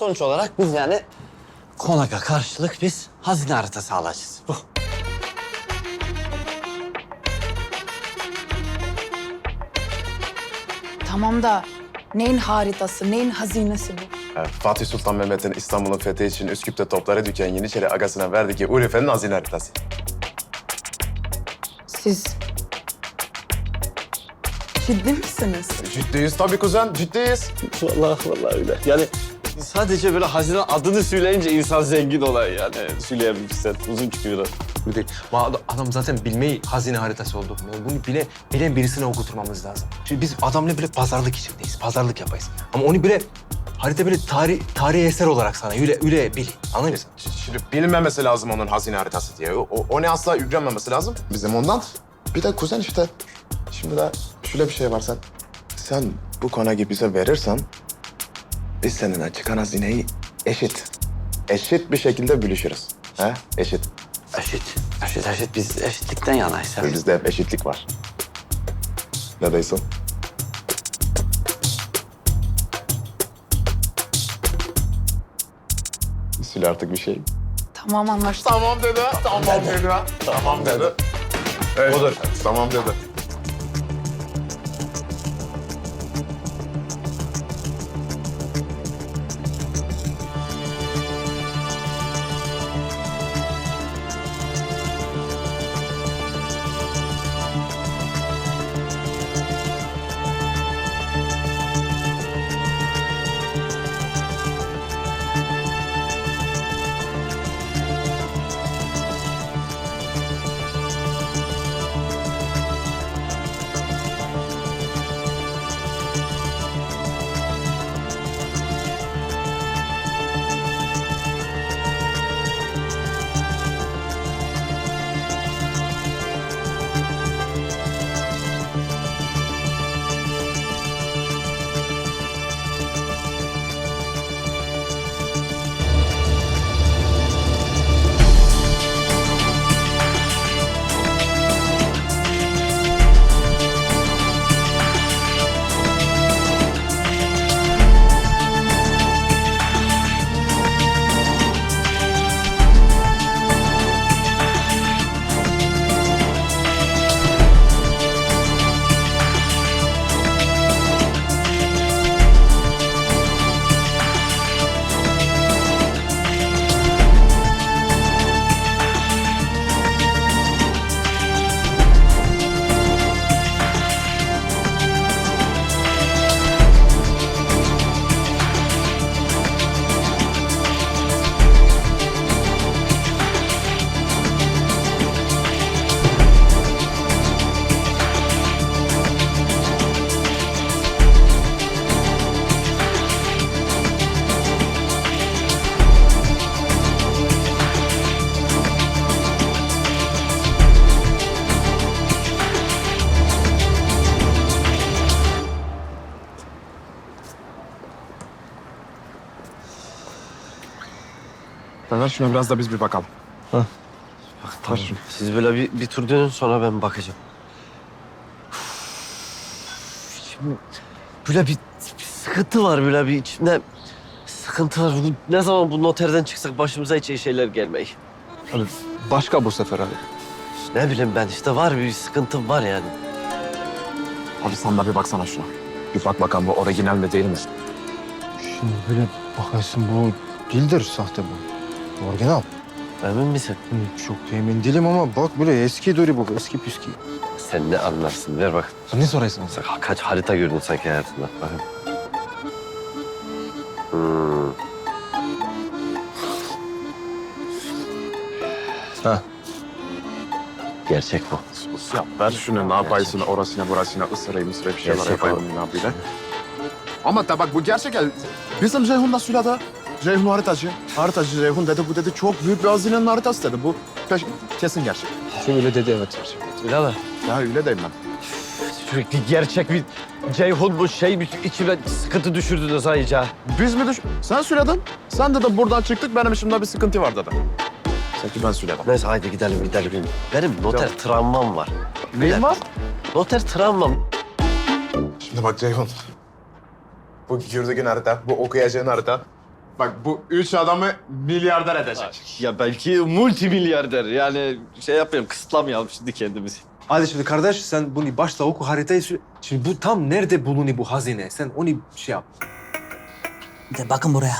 Sonuç olarak biz yani konağa karşılık biz hazine haritası alacağız. Bu. Tamam da neyin haritası, neyin hazinesi bu? Fatih Sultan Mehmet'in İstanbul'un fethi için Üsküp'te topları düken Yeniçeri agasına verdi ki Urfa'nın hazine haritası. Siz ciddi misiniz? Ciddiyiz tabii kuzen, ciddiyiz. Vallahi öyle. Yani sadece böyle hazine adını söyleyince insan zengin olay yani. Söyleyebilirsen uzun çıkıyor. Bu değil. Adam zaten bilmeyi hazine haritası oldu. Yani bunu bilen birisine okuturmamız lazım. Şimdi biz adamla bile pazarlık içindeyiz. Pazarlık yapayız. Ama onu bile harita böyle tarihi eser olarak sana öyle bil. Anladın mı? Şimdi bilinmemesi lazım onun hazine haritası diye. O ne asla yüklenmemesi lazım. Bizim ondan. Bir de kuzen işte. Şimdi de şöyle bir şey var sen bu konağı bize verirsen biz seninle çıkan hazineyi eşit bir şekilde bölüşürüz. He? Eşit. Eşit. Biz eşitlikten yanayız. ya. Bizde hep eşitlik var. Ne diyorsun? Söyle artık bir şey. Tamam anlaştık. Tamam dedi. Tamam dedi. Evet, odur. Tamam dedi. Ver şuna biraz da biz bir bakalım. Tamam. Siz böyle bir tur dönün sonra ben bakacağım. Şimdi böyle bir sıkıntı var böyle bir içimde sıkıntı var. Ne zaman bu noterden çıksak başımıza hiç iyi şeyler gelmeyi. Abi başka bu sefer abi. Ne bileyim ben işte var bir sıkıntım var yani. Abi sen de bir baksana şuna. Bir bak bakalım bu orijinal mi değil mi? Şimdi böyle bakarsın bu değildir sahte bu. Orijinal. Emin misin? Çok emin değilim ama bak böyle eski duri bu, eski püskü. Sen ne anlarsın ver bak. Sen ne sorarsın? Sen kaç harita gördün sanki hayatında. Bakın. Ha. Gerçek bu. Ya ver şunu ne yapaysın orasına burasına ısırayım bir şeyler Gerçek yapayım ya böyle. Ama da bak bu gerçek el. Bizim Ceyhun da söyledi. Ceyhun haritacı. Haritacı Ceyhun dedi bu dedi çok büyük bir hazinenin haritası dedi. Bu kesin gerçek. Şöyle dedi evet. Öyle mi? Ya öyle deyim ben. Sürekli gerçek bir Ceyhun bu şey bir içime sıkıntı düşürdünüz ha iyice. Biz mi Sen söyledin. Sen de buradan çıktık benim içimde bir sıkıntı var dedi. Sanki ben söyledim. Neyse haydi gidelim. Benim noter travmam var. Neyin var? Noter travmam. Şimdi bak Ceyhun. Bu gördüğün harita, bu okuyacağın harita Bak bu üç adamı milyarder edecek. Ya belki multimilyarder. Yani şey yapmayalım, kısıtlamayalım şimdi kendimizi. Hadi şimdi kardeş sen bunu başla oku haritayı. Şimdi bu tam nerede bulunuyor bu hazine? Sen onu şey yap. De bakın buraya.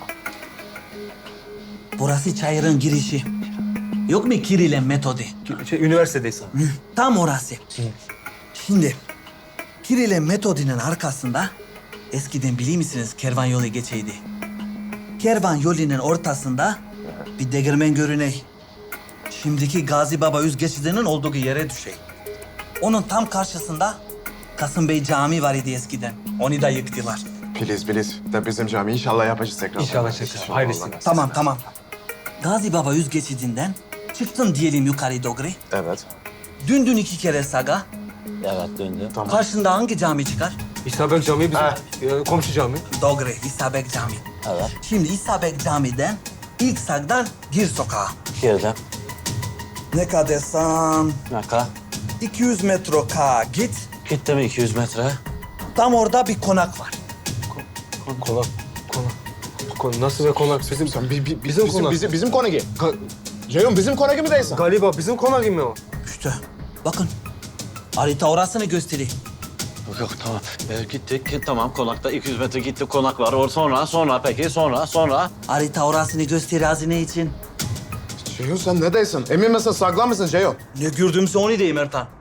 Burası çayırın girişi. Yok mu Kiril'in metodu? Üniversitedeyiz. Tam orası. Şimdi Kiril'in metodunun arkasında eskiden biliyor musunuz kervan yolu geçeydi. Kervan yolunun ortasında bir değirmen görüney. Şimdiki Gazi Baba Üz geçidinin olduğu yere düşey. Onun tam karşısında Kasım Bey Camii var idi eskiden. Onu da yıktılar. Please. De bizim cami inşallah yapacağız tekrar. İnşallah tekrar. Hayırlısı. Tamam. Gazi Baba Üz geçidinden çıktın diyelim yukarı doğru. Evet. Döndün 2 kere sağa. Evet, döndü. Karşında hangi cami çıkar? İsabek Camii bizim komşu cami. Doğru, İsabek Camii. Evet. Şimdi İsabek Camii'den ilk sağdan gir sokağa. Girdim. Ne kadar Ne kadar? 200 metre ka git. Gitti mi 200 metre? Tam orada bir konak var. Konak. Nasıl ve konak? Bizim Bizim konağı. Ceyhun bizim konağı mı değilsin? galiba bizim konak mı o? İşte bakın. Harita orasını gösteriyor. Yok tamam. Gittik, tamam konakta 200 metre gitti, konak var. Sonra. Harita orasını gösteriyor hazine için. Ceyhun sen ne değilsin? Emin misin saklan mısın Ceyhun? Ne gördüğümse onu diyeyim Ertan.